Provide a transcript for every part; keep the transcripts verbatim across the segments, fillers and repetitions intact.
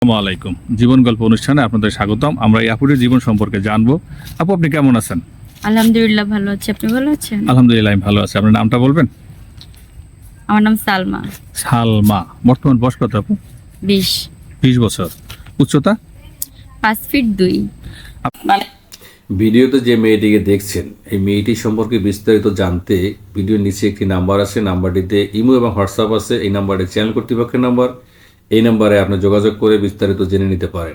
আসসালামু আলাইকুম। জীবন গল্প অনুষ্ঠানে আপনাদের স্বাগতম। আমরা এই আপুর জীবন সম্পর্কে জানবো। আপু, আপনি কেমন আছেন? আলহামদুলিল্লাহ ভালো আছি। আপনি ভালো আছেন? আলহামদুলিল্লাহ, আমি ভালো আছি। আপনার নামটা বলবেন? আমার নাম সালমা। সালমা। বর্তমান বয়স কত আপু? বিশ। বিশ বছর। উচ্চতা? পাঁচ ফিট দুই। ভিডিওতে যে মেয়েটিকে দেখছেন, এই মেয়েটি সম্পর্কে বিস্তারিত জানতে ভিডিওর নিচে একটি নাম্বার আছে, নাম্বারটিতে ইমো এবং হোয়াটসঅ্যাপ আছে। এই নাম্বারটি চ্যানেল কর্তৃপক্ষের নাম্বার। এই নাম্বারে আপনি যোগাযোগ করে বিস্তারিত জেনে নিতে পারেন।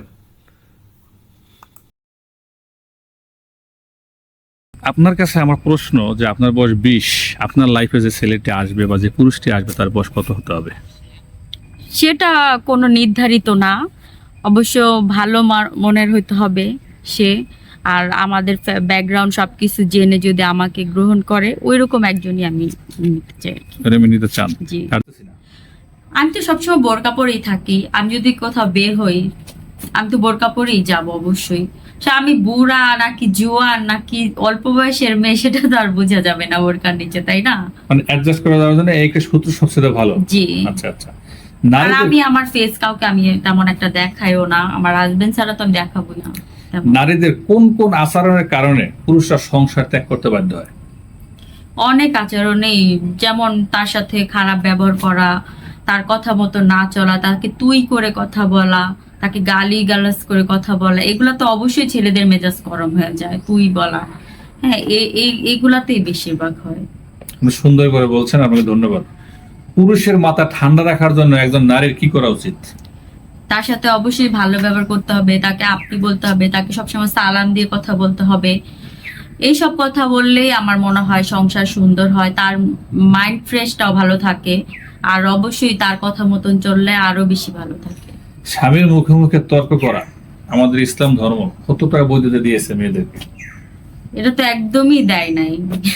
আপনার কাছে আমার প্রশ্ন যে আপনার বয়স বিশ, আপনার লাইফে যে ছেলেটি আসবে বা যে পুরুষটি আসবে তার বয়স কত হতে হবে? সেটা কোনো নির্ধারিত না, অবশ্য ভালো মার- মনের হইতে হবে সে। আর আমাদের ব্যাকগ্রাউন্ড সব কিছু জেনে যদি আমাকে গ্রহণ করে, ওই রকম একজনই আমি নিতে চাই। প্রেমে নিতে চান? জি। আর- আমি তো সবসময় বোরকা পরেই থাকি। আমি যদি কোথাও বের হই, আমি তো বোরকা পরেই যাব অবশ্যই। সে আমি বুড়া নাকি জোয়ান নাকি অল্প বয়সের মেয়ে, সেটা তো আর বোঝা যাবে না বোরকার নিচে, তাই না? মানে অ্যাডজাস্ট করে দেওয়ার জন্য এই সূত্র সবচেয়ে ভালো। জি। আচ্ছা আচ্ছা। আর নারীদের আমি আমার ফেস কাউকে আমি তেমন একটা দেখাইও না, আমার হাজবেন্ড ছাড়া তো আমি দেখাবো না তেমন। নারীদের কোন কোন আচরণের কারণে পুরুষরা সংসার ত্যাগ করতে বাধ্য হয়? অনেক আচরণেই, যেমন তার সাথে খারাপ ব্যবহার করা, তার কথা মতো না চলা, তাকে তুই করে কথা বলা, তাকে গালি গালাজ করে কথা বলা, এগুলা তো অবশ্যই ছেলেদের মেজাজ গরম হয়ে যায়, তুই বলা। হ্যাঁ, এ- এই- এইগুলাতেই বেশিরভাগ হয়। আপনি সুন্দর করে বলছেন, আপনাকে ধন্যবাদ। পুরুষের মাথা ঠান্ডা রাখার জন্য একজন নারীর কি করা উচিত? তার সাথে অবশ্যই ভালো ব্যবহার করতে হবে, তাকে আপনি বলতে হবে, তাকে সবসময় সালাম দিয়ে কথা বলতে হবে। এইসব কথা বললেই আমার মনে হয় সংসার সুন্দর হয়, তার মাইন্ড ফ্রেশটাও ভালো থাকে। আর অবশ্যই তার কথা মতন চললে আরো বেশি ভালো থাকে। স্বামীর মুখে মুখে তর্ক করা আমাদের ইসলাম ধর্ম কতটা বৈধতা দিয়েছে মেয়েদেরকে? এটা তো একদমই দেয় নাই।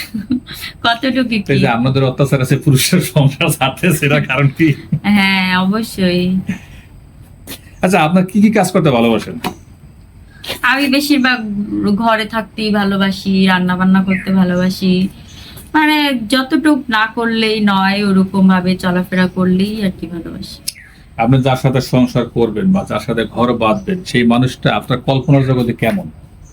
কতটুকু এই কি? যে আপনাদের অত্যাচার আছে, পুরুষের সংসার ছাড়তে, সেটা কারণ কি? হ্যাঁ, অবশ্যই। আচ্ছা, আপনার কি কি কাজ করতে ভালোবাসেন? আমি বেশিরভাগ ঘরে থাকতেই ভালোবাসি, রান্না বান্না করতে ভালোবাসি। মানে যতটুক না করলেই নয়, ওরকম ভাবে চলাফেরা করলেই আর কি ভালোবাসি। আপনি যার সাথে সংসার করবেন বা যার সাথে ঘর বাঁধবেন, সেই মানুষটা আপনার কল্পনার জগতে কেমন?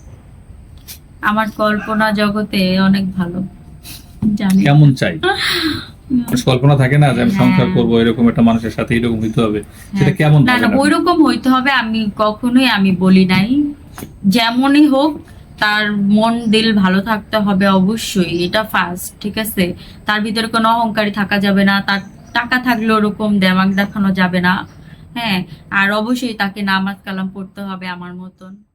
আমার কল্পনা জগতে অনেক ভালো, জানি। কেমন চাই? মানুষ কল্পনা থাকে না যে আমি হ্যাঁ। সংসার করবো, এরকম একটা মানুষের সাথে এরকম হইতে হবে, সেটা হ্যাঁ। কেমন না না, ভাবেন আপনি? ওইরকম হইতে হবে আমি কখনোই আমি বলি নাই। যেমনই হোক, তার মন দিল ভালো থাকতে হবে অবশ্যই, এটা ফার্স্ট, ঠিক আছে? তার ভিতরে কোনো অহংকারী থাকা যাবে না, তার টাকা থাকলে ওরকম দেমাগ দেখানো যাবে না। হ্যাঁ, আর অবশ্যই তাকে নামাজ কালাম পড়তে হবে আমার মতন।